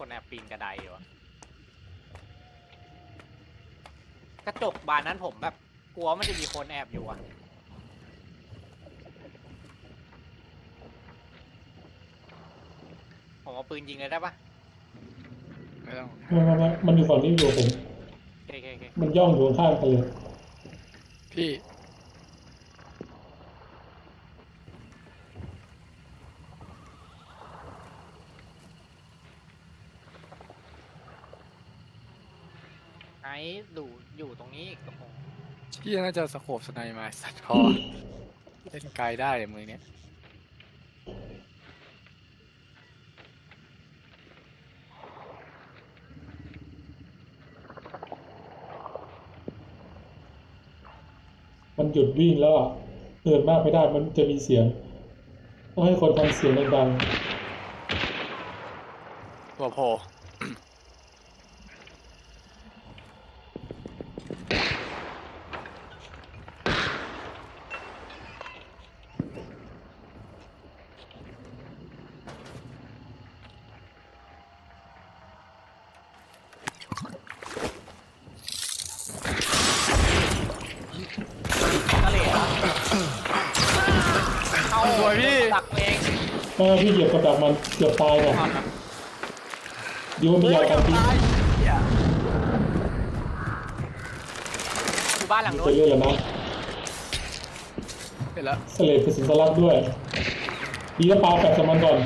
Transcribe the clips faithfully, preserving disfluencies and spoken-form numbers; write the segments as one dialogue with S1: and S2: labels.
S1: คนแอบปีนกระไดอยู่อะกระจกบานนั้นผมแบบกลัวมันจะมีคนแอบอยู่อะผมเอาปืนยิงเลยได้ปะ
S2: ไม่ต้อง
S3: ไม่ไม่ไม่มันอยู่ฝั่งนี้อยู่ผม
S1: โอเคโอเคโอเค
S3: มันย่องอยู่ข้างๆกันเลย
S2: พี่
S1: ไอ้ดูอยู่ตรงนี้อีกกับผม
S2: พี่น่าจะสโคปสไนมาสัตว์พอเล่นไกลได้เลยมือเนี้ย
S3: มันหยุดวิ่งแล้วอ่ะเดินมากไม่ได้มันจะมีเสียงต้องให้คนทำเสียงดัง
S2: ตัวโผล่
S1: ทะเลอะเข้า
S2: สวยพี่
S1: ดักเอง
S3: ๆถ้าพี่เหยียบกระดักมันเกือบตายเนี่ยดีว่ามียากันพิษ
S1: อยู่บ้านหลังนู้
S3: ไป
S1: น
S3: เรื่อยแล้วนะ
S2: เห็นแล้ว
S3: สเลดเป็นสินสลักด้วยดีแล้วปาแปะกับมันก่อน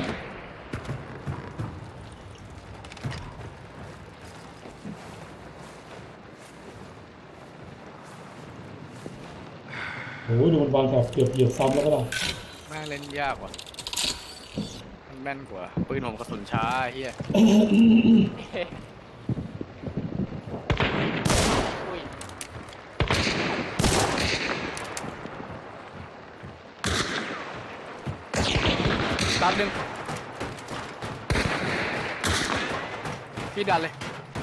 S3: โอ้ยดูมันวางแถบเกือบเหยียบซ้ำแล้วก็ล่ะ
S2: แม่งเล่นยากว่ะมันแม่นกว่าปืนผมกระสุนช้าไอ้เฮีย
S1: อุ้ย
S2: ตัดหนึ่งพี่ดันเลย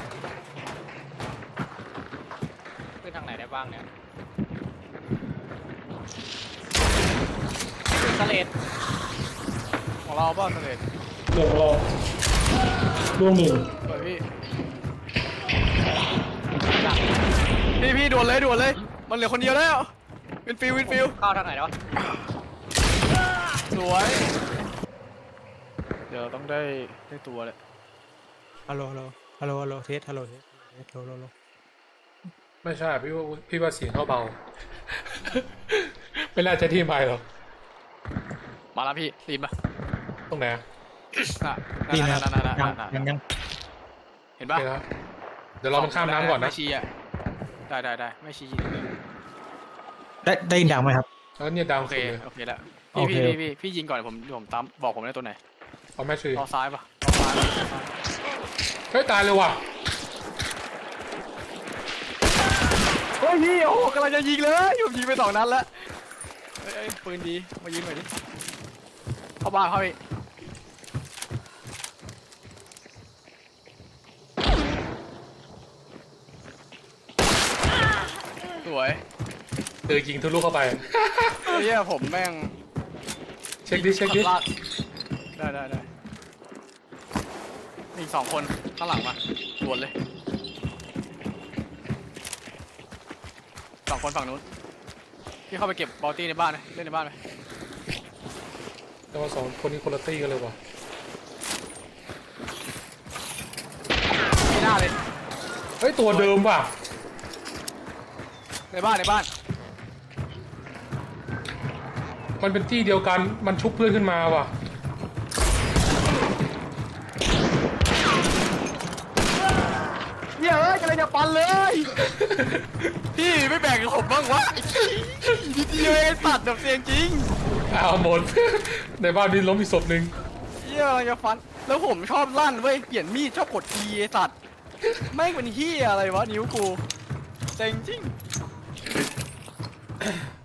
S1: ขึ้นทางไหนได้บ้างเนี่ยสเลด
S2: ของเราเปล่าเสด็จ
S3: เรื่องของเราล่วงหนึ่ง
S2: สวยพี่
S1: ดัก
S2: พี่พี่ด่วนเลยด่วนเลย มันเหลือคนเดียวแล้ววินฟิลวินฟิล
S1: เข้าทางไหนแล้ว
S2: สวย เดี๋ยวต้องได้ได้ตัวเลย
S4: ฮัลโหลฮัลโหลฮัลโหลฮัลโหลเทสฮัลโหลเทสฮัลโหลฮัลโหลฮัลโหล
S5: ไม่ใช่พี่ว่าพี่ว่าเสียงเขาเบา ไม่น่าจะที่ไมค์หรอก
S2: มาแล้วพี่รีบมา
S5: ตรงไหนอะ
S2: น่ะ
S4: นี่
S2: นั่
S4: นะ
S2: นนั่นนั่น
S4: ยัง
S2: นั่น
S4: ยังยัง
S2: เห็นปะ
S5: โอเคครับเดี๋ยวรอมันข้ามน้ำก่อนนะ
S2: ไม่ชี้อ่ะได้ได้ได้ไม่ชี้ยิงเลย
S4: ได้ได้ยินดังไหมครับ
S5: แล้วเนี่ยดาว
S2: โอเค
S5: สุดเลย
S2: โอเคแล้ว
S4: โอ
S2: พี่
S4: เค
S2: พี่พี่พี่ยิงก่อนผมผมตามบอกผมได้ตัวไหน
S5: เอาแม่ชี
S2: ล้อซ้ายปะล้อซ้ายปะ
S5: เฮ้ยตายเลยว่ะ
S2: เฮ้ยพี่โอ้กำลังจะยิงเลยผมยิงไปสองนัดแล้วเฮ้ยเอ้ยปืนดีมายิงหน่อยดิเข้าบ้านเข้าไปสวย
S5: เออยิงทะลุเข้าไป
S2: ไอ้เหี้ยผมแม่ง
S5: เช็คดิเช็คดิ
S2: ลากได้ได้ได้มีอีกสองคนข้างหลังมาด่วนเลยสองคนฝั่งนู้นพี่เข้าไปเก็บบอลตี้ในบ้านเลยเล่นในบ้านไหม
S5: แต่ว่าสองคนนี้คนละตี้กันเลยว่ะ
S2: ไม่น่าเลย
S5: เฮ้ยตัวเดิมว่ะ
S2: ในบ้านในบ้าน
S5: มันเป็นที่เดียวกันมันชุบเพื่อนขึ้นมาว่ะ
S2: เหี้ยเอ้ยกำลังจะปันเลย พี่ไม่แบ่งกับผมบ้างวะนิดเดียวเองตัดแบบเสียงจริง
S5: เอาหมด ในบ้านนี้ล้มอีกศพหนึ่ง
S2: เหี้ยกำลังจะฟันแล้วผมชอบลั่นเว้ยเปลี่ยนมีดชอบกดทีไอ้สัตว์แม่งเป็นเหี้ยอะไรวะนิ้วกูเจ๋งจริง